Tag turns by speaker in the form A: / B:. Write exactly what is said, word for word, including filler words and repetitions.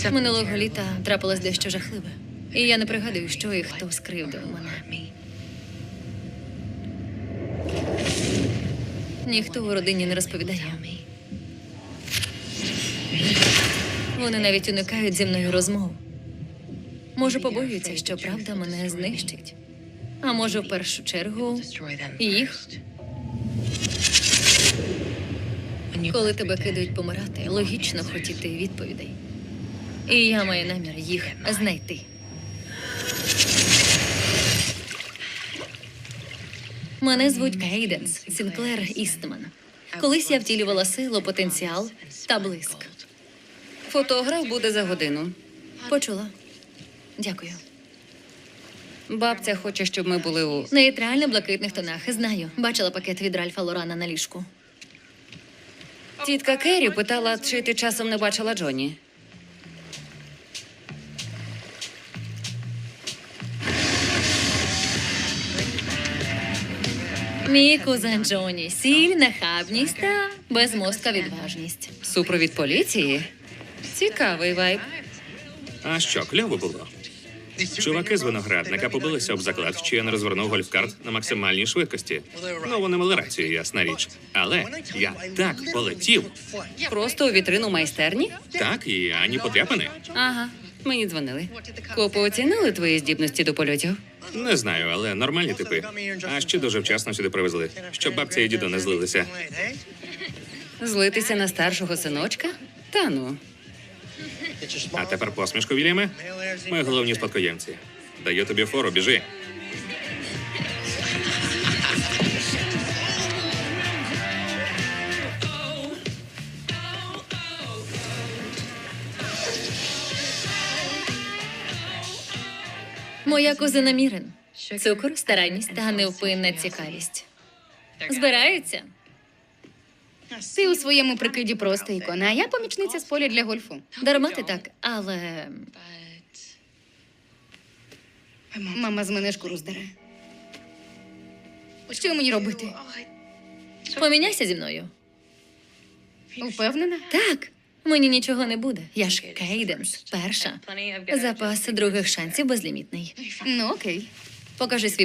A: Минулого літа трапилось дещо жахливе. І я не пригадую, що і хто скривдив мене. Ніхто у родині не розповідає. Вони навіть уникають зі мною розмов. Може, побоюються, що правда мене знищить. А може, в першу чергу, їх. Коли тебе кидають помирати, логічно хотіти відповідей. І я маю намір їх знайти. Мене звуть Кейденс Сінклер Істман. Колись я втілювала силу, потенціал та блиск.
B: Фотограф буде за годину.
A: Почула. Дякую.
B: Бабця хоче, щоб ми були у...
A: Нейтрально-блакитних тонах. Знаю. Бачила пакет від Ральфа Лорана на ліжку.
B: Тітка Керрі питала, чи ти часом не бачила Джоні.
A: Мій кузен Джоні. Сіль, нахабність та безмозка відважність.
B: Супровід поліції? Цікавий вайб.
C: А що, кльово було? Чуваки з виноградника побилися об заклад, що я не розвернув гольфкарт на максимальній швидкості. Ну, вони мали рацію, ясна річ. Але я так полетів.
B: Просто у вітрину майстерні?
C: Так, і ані потряпини.
B: Ага, мені дзвонили. Копи оцінили твої здібності до польотів?
C: Не знаю, але нормальні типи. А ще дуже вчасно сюди привезли, щоб бабця і дідо не злилися.
B: Злитися на старшого синочка? Та ну.
C: А тепер посмішку, Вільяме. Ми головні спадкоємці. Даю тобі фору, біжи.
A: Моя кузина Мірен. Цукор, старанність та невпинна цікавість. Збираються?
D: Ти у своєму прикиді просто ікона, а я помічниця з поля для гольфу.
A: Дарма ти так, але...
D: Мама з мене шкуру здере. Що мені робити?
A: Поміняйся зі мною.
D: Упевнена?
A: Так, мені нічого не буде. Я ж Кейденс, перша. Запас других шансів безлімітний.
D: Ну, окей.
A: Покажи свій